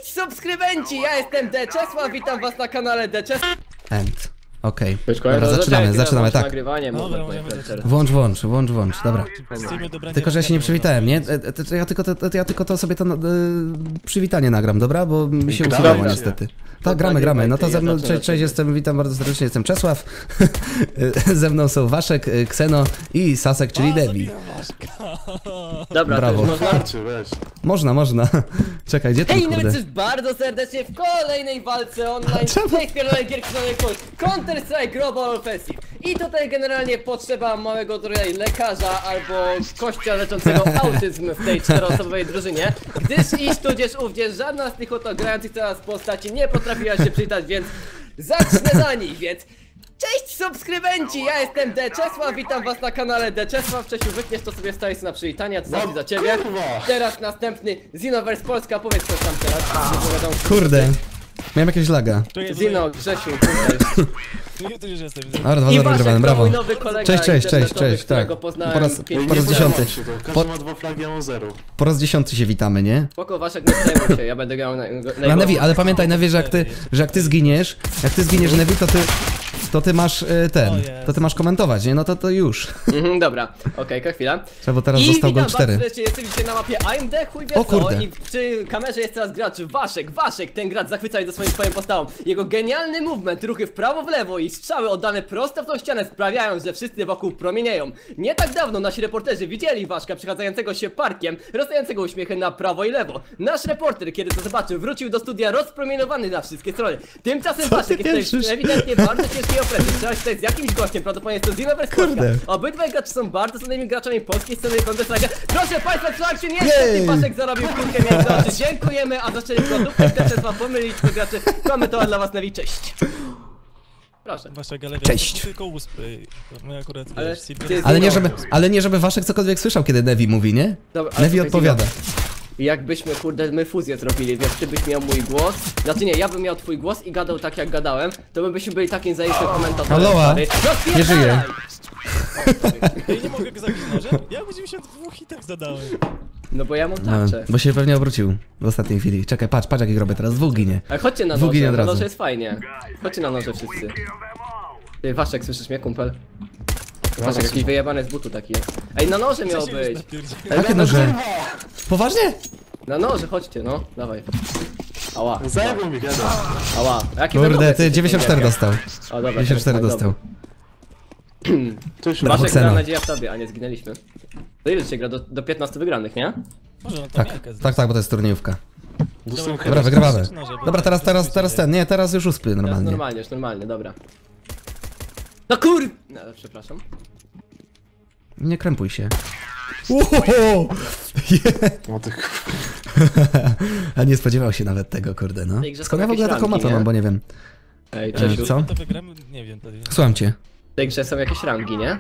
subskrybenci! Ja jestem Deczesław, witam was na kanale Deczesław. Okej. Dobra, zaczynamy, tak. Włącz, dobra. Tylko, że ja się nie przywitałem, nie? Ja tylko to sobie to przywitanie nagram, dobra? Bo mi się usuwało niestety. Tak, gramy. No to ze mną, cześć, witam bardzo serdecznie, jestem Czesław. Ze mną są Waszek, Kseno i Sasek, czyli Debi. Dobra, brawo. Można. Czekaj, gdzie ten kurde? Hej, bardzo serdecznie w kolejnej walce online z tej pierdolonej gierki Counter-Strike Global Offensive. I tutaj generalnie potrzeba małego tutaj lekarza albo kościa leczącego autyzm w tej czteroosobowej drużynie. Gdyż iż tudzież ówdzież żadna z tych oto grających teraz postaci nie potrafiła się przywitać, więc zacznę za nich, więc... Cześć subskrybenci, ja jestem Deczesław, witam was na kanale Deczesław. Czesiu, wytniesz to sobie, wstawię na przywitania, to zawsze za ciebie. Teraz następny Xenoverse Polska, powiedz coś tam teraz. Kurde, miałem jakiegoś laga. Zino, Grzesiu, Dobra, wygrywamy, brawo. mój nowy kolega Cześć, tak. Po raz 10. Każdy ma 2 flagi, ja mam 0. Po raz 10 się witamy, nie? Spoko, Waszek, nie przejmuj się, ja będę grał na Nevi, ale pamiętaj, Nevi, że jak ty zginiesz, Nevi, to ty masz to ty masz komentować, nie? No to już. Dobra, okej, chwila. Bo teraz został gol 4. Jesteście dzisiaj na mapie AMD, chuj wie o co, kurde. i przy kamerze jest teraz gracz Waszek, ten gracz zachwyca do swoją postawą. Jego genialny movement, ruchy w prawo, w lewo i strzały oddane prosto w tą ścianę sprawiają, że wszyscy wokół promienieją. Nie tak dawno nasi reporterzy widzieli Waszka przechadzającego się parkiem, rozdającego uśmiechy na prawo i lewo. Nasz reporter, kiedy to zobaczył, wrócił do studia rozpromieniowany na wszystkie strony. Tymczasem Waszek jest ewidentnie bardzo ciężkiej opresji. Trzeba się tutaj z jakimś gościem, prawdopodobnie jest to Xenoverse Polska. Obydwaj gracze są bardzo znanymi graczami polskiej sceny Counter-Strike'a. Proszę Państwa, trzymajcie, niestety Waszek zarobił kulkę między oczy. Dziękujemy, a zaczęli produktę, Deczesław pomylić to graczy. Komentować dla was Nevi, cześć. Proszę. Cześć. Ale nie żeby Waszek cokolwiek słyszał, kiedy Nevi mówi, nie? Dobra, Nevi odpowiada. Jakbyśmy, kurde, my fuzję zrobili, więc ty byś miał mój głos. Znaczy nie, ja bym miał twój głos i gadał tak jak gadałem, to my byśmy byli takim zajętym komentatorem. Aloha, no, nie żyje. Ja nie mogę go zabić nożem? Ja go 92 hitach zadałem. No bo ja mam tarczę. Bo się pewnie obrócił w ostatniej chwili. Czekaj, patrz jak robię teraz, dwóch ginie. Ale chodźcie na noże, na noże jest fajnie. Chodźcie na noże wszyscy. Ty, Waszek, słyszysz mnie, kumpel? Waszek, jakiś wyjebany z butu taki jest. Ej, na noże miał być. Jakie noże? Poważnie? Na noże, chodźcie, no, dawaj. Ała. Zajebał mi gada. Ała. Kurde, ty 94 dostał. O, dobra, 94 dostał. Waszek gra nadzieja w tobie, a nie zginęliśmy. To ile się gra? Do 15 wygranych, nie? Tak, bo to jest turniejówka. Dobra, wygrywamy. Dobra, teraz ten, nie, teraz już uspy normalnie. Już normalnie, dobra. No kur... No, przepraszam. Nie krępuj się. A nie spodziewał się nawet tego, kurde, no. Skąd ja w ogóle taką mapę mam, bo nie wiem. Ej, Czesiu. Co? Nie wiem, Słucham cię. W tej grze są jakieś rangi, nie?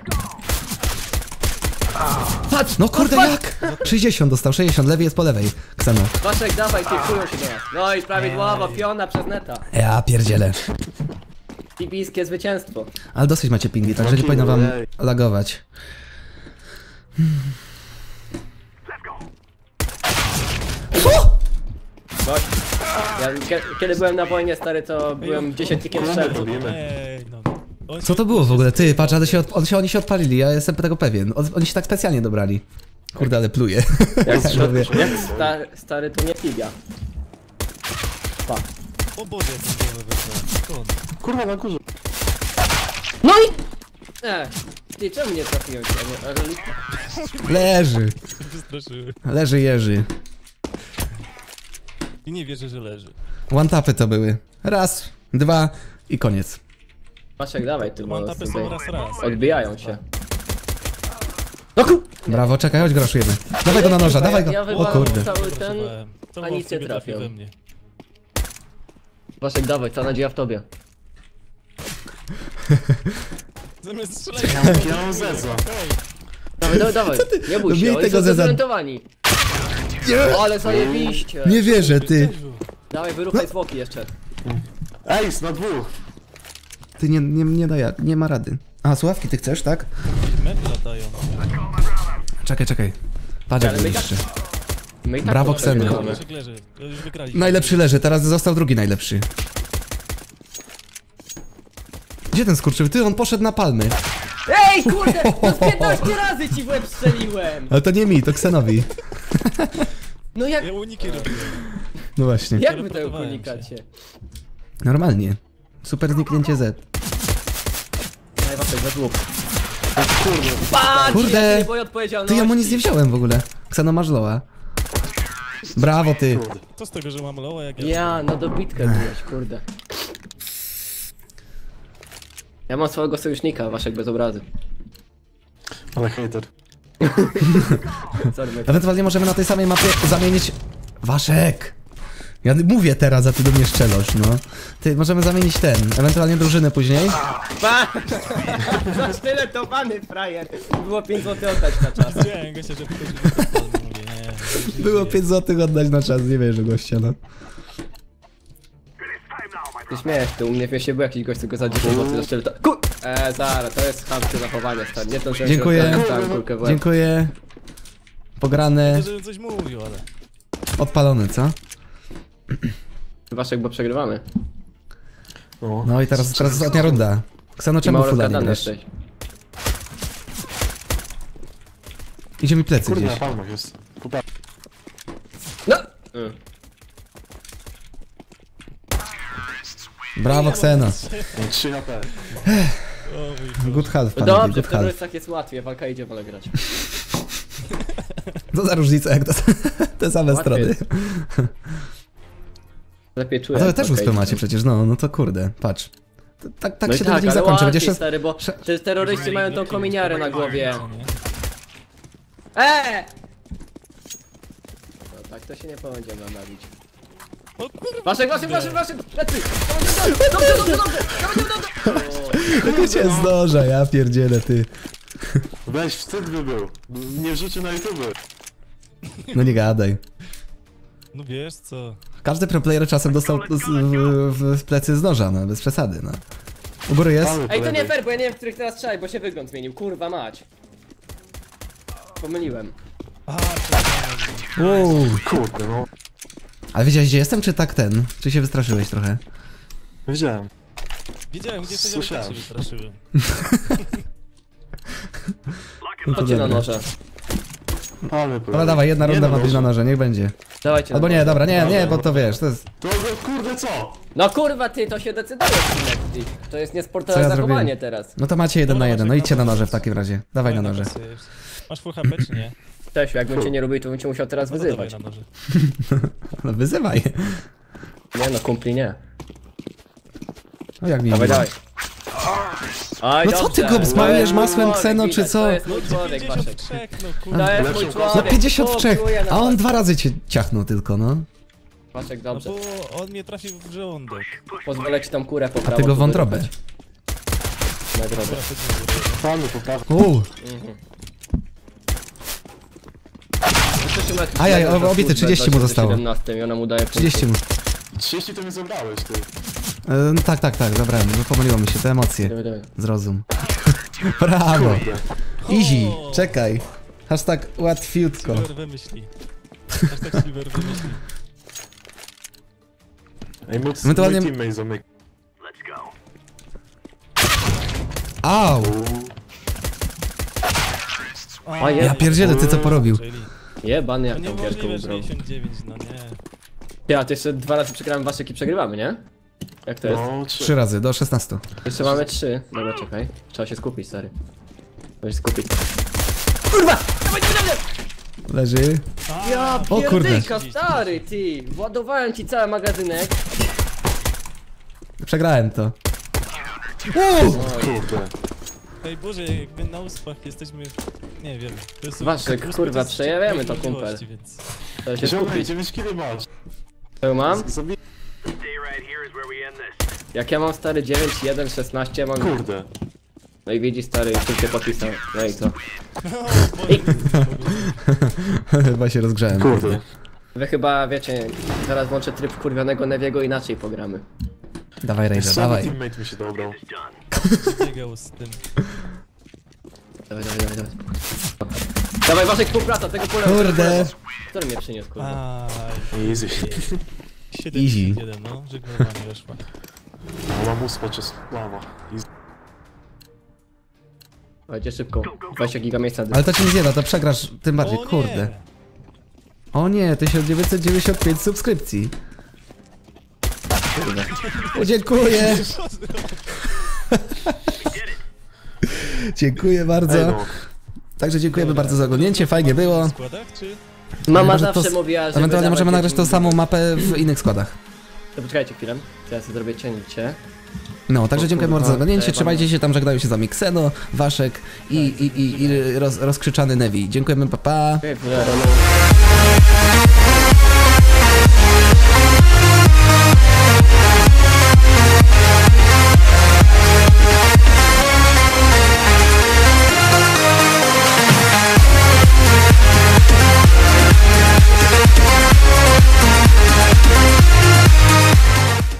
Patrz! No kurde, jak? 60 dostał, 60, lewy jest po lewej. Kseno. Waszek, dawaj, typują się do nas. No i prawidłowo, piona przez neta. Ja pierdzielę. Pibijskie zwycięstwo. Ale dosyć macie pingi, także nie powinno wam lagować. Gość. Ja kiedy byłem na wojnie, stary, to byłem dziesiętnikiem strzelców. Co to było w ogóle? Ty, patrz, ale oni się odpalili, ja jestem tego pewien. Oni się tak specjalnie dobrali. Kurde, ale pluje. Jak stary, to nie figa. Pa. O Boże, skąd? Kurwa, na górze. No i... Ty, czemu nie trafiłem się? Leży. Wystraszyły. Leży Jerzy. I nie wierzę, że leży. One-tapy to były. Raz, dwa i koniec. Waszek, dawaj, ty, bo One-tapy są raz. odbijają się. No ku... Brawo, czekaj, chodź groszujemy. Dawaj go na noża, dawaj go. Ja O kurde. cały ten... To a nic nie trafił. we mnie. Waszek, dawaj, cała nadzieja w tobie. Zamiast strzelać. Ja mam zezła. Dawaj, nie bój się, Miej oni tego są zeza. zorientowani. Ale zajebiście. Nie wierzę, ty. Dawaj, wyruchaj zwłoki jeszcze. Ej, na dwóch. Ty nie da jak, nie ma rady. A, słuchawki ty chcesz, tak? Medy latają. Czekaj. Patrz jak Ale my jeszcze. My i tak Brawo, to Kseno. przegrywamy. Leszek leży. Już wygraliśmy. Najlepszy leży, teraz został drugi najlepszy. Gdzie ten skurczył? Ty, on poszedł na palmy. Ej, kurde! No z 15 razy ci w łeb strzeliłem! Ale to nie mi, to Ksenowi. No jak... Ja uniki robiłem. No właśnie. Jak wy tego Teleportowałem unikacie? Normalnie. Super zniknięcie Z. Daj Waszek, za długo. Patrz, Kurde. ja się nie boję odpowiedzialności. Ty, ja mu nic nie wziąłem w ogóle. Kseno masz loa. Brawo, ty. To z tego, że mam loa, jak ja... Ja, no dobitkę byłeś, kurde. Ja mam swojego sojusznika, Waszek bez obrazy. Ale hater. Sorry, mate. Ewentualnie możemy na tej samej mapie zamienić... Waszek! Ja mówię teraz, a ty do mnie szczelosz, no. Ty, możemy zamienić ten, ewentualnie drużynę później. Zasztyletowany frajer. Było 5 zł oddać na czas. Widziałem gościa, że wchodził do tego, mówię, nie. Było 5 zł oddać na czas, nie wierzę gościa, no. Ty śmiejesz, ty u mnie w mieście był jakiś gość, tylko za 10 zł zasztyletował. Zaraz, to jest chamskie zachowanie, stary. Nie to, że Dziękuję. kulkę w łeb. Dziękuję. Pograne, Nie, żebym coś mówił, ale... odpalony, co? Waszek, bo przegrywamy. No i teraz ostatnia runda. Kseno, I czemu mało fula nie rozgadany grasz? jesteś. Idzie mi plecy Kurde, na gdzieś. palmach jest. Popatrz. No! Brawo, Kseno. 3 HP. O mój Boże. Good half, panowie, Dobrze, good w half. terrorystach jest łatwiej, walka idzie, wolę grać. Co za różnica, jak to te same Łatwiej strony. jest. Lepiej czuję. A to wy jak też walka uspę idzie. macie przecież, no to kurde, patrz. Tak No i się ten dzień ale zakończy, będzie łatwiej, jeszcze... stary, bo te terroryści mają tą kominiarę na głowie. Co, nie? No tak to się nie będziemy bawić. O kurwa! Waszek, lecy! Dobrze! Tylko cię zdąża, ja pierdzielę, ty. Weź, wstyd by był. Nie wrzucił na YouTube. No nie gadaj. No wiesz co? Każdy pro player czasem dostał w plecy z noża, no, bez przesady, no. U góry jest? Palmy po Ej, to nie lewej. fair, bo ja nie wiem, w których teraz strzelaj, bo się wygląd zmienił. Kurwa mać. Pomyliłem. A, to Uuu. Kurde, no. Ale wiedziałeś, gdzie jestem, czy tak ten? Czy się wystraszyłeś trochę? Wiedziałem. wiedziałem, gdzie jesteś, ale tak się wystraszyłem. No to Chodźcie na dobra. noże. Palmy po Dobra, lewej. dawaj, jedna Nie runda no, ma być na noże, niech będzie. Dawajcie Albo na nie, noże. dobra, nie, bo to wiesz, to jest... To kurde co? No kurwa ty, to się decyduje Kinecti. To jest Co niesportowe ja zachowanie zrobiłem? teraz. No to macie 1 na 1, no Maciek, idźcie na na noże w noże. takim razie. Dawaj na noże. Masz full HP czy nie? Cześć, jakbym cię nie lubił, to bym cię musiał teraz No to wyzywać. dawaj na noże. No wyzywaj. Nie no, kumpli nie. No jak mi Dawaj, miło. dawaj. Oj, No co ty dobrze. go smarujesz To jest mój masłem człowiek, Kseno, czy widać, co? To jest mój człowiek, Waszek. 53, no To kurde. jest mój No człowiek. No 53, Kupuję na a on was. 2 razy cię ciachnął tylko, no. Waszek, No dobrze. bo on mnie trafił w żołądek. Pozwolę ci tą kurę po A prawo. ty go tu wątrobę. wyrzucać. Nagrodę. Dobra, chodźmy do góry. Palmy po prawej. Ajaj, obity, 30 mu zostało. 17 i ona mu daje 30 mu. 30 to mi zabrałeś, ty. No tak, zabrałem, no pomyliło mi się, te emocje. Dawaj. Zrozum. Brawo. Kurde. Easy, O! czekaj. Hashtag łatwiutko. Silver wymyśli. Hashtag Silver wymyśli. Ej, mój Ewentualnie- teammate zamyk. Au! A, Ja pierdzielę, ty co porobił? Czyli... Jebany No jak tą gierkę niemożliwe, że ubrał. 99, no nie. Ty, a to jeszcze 2 razy przegrałem Waszek i przegrywamy, nie? Jak to jest? No, 3 razy, do 16. Jeszcze mamy 3. Dobra, czekaj. Trzeba się skupić, stary. Trzeba się skupić. Kurwa! Dawaj, dawaj, dawaj! Leży. Ja O kurde. pierdyka, stary, ty! Władowałem ci cały magazynek. Przegrałem to. Kurde. Ej Boże, jakby na uspach jesteśmy... Nie wiem. To jest Waszek, uspy kurwa, to jest przejawiamy to, możliwości, kumpel. Więc... Trzeba się Ziomek, skupić. 9 kg masz. Co mam? Zabij. Jak ja mam stary 9, 1, 16, mam... Kurde. No i widzi stary, czym się podpisał. No i co? O Boże, Chyba się rozgrzałem. Kurde. Wy chyba wiecie, zaraz włączę tryb wkurwionego Neviego, inaczej pogramy. Dawaj, Razer, Sam dawaj. teammate mi się dobrał. biegał z tym. Dawaj, dawaj, dawaj, dawaj. Dawaj, Waszek, współpraca, tego pola. Kurde. Który mnie przyniósł, kurwa? Easy. 71, no, żegnowanie weszła. Lamus podczas lawa. Dawajcie szybko, 20 giga miejsca. Ale to ci nie zjada, to przegrasz tym bardziej, O nie. kurde. O nie, 1995 subskrypcji. O, dziękuję. Dziękuję bardzo. Także dziękujemy bardzo za oglądnięcie, fajnie było. W składach, czy? Mama Może zawsze to mówiła, że... ewentualnie możemy nagrać tą samą mapę w innych składach. To poczekajcie chwilę, teraz sobie zrobię cięcie. No, także dziękujemy bardzo za oglądnięcie, Zajebane. trzymajcie się tam, żegnają się z wami Xeno, Waszek i rozkrzyczany Nevi. Dziękujemy, pa pa. Okej,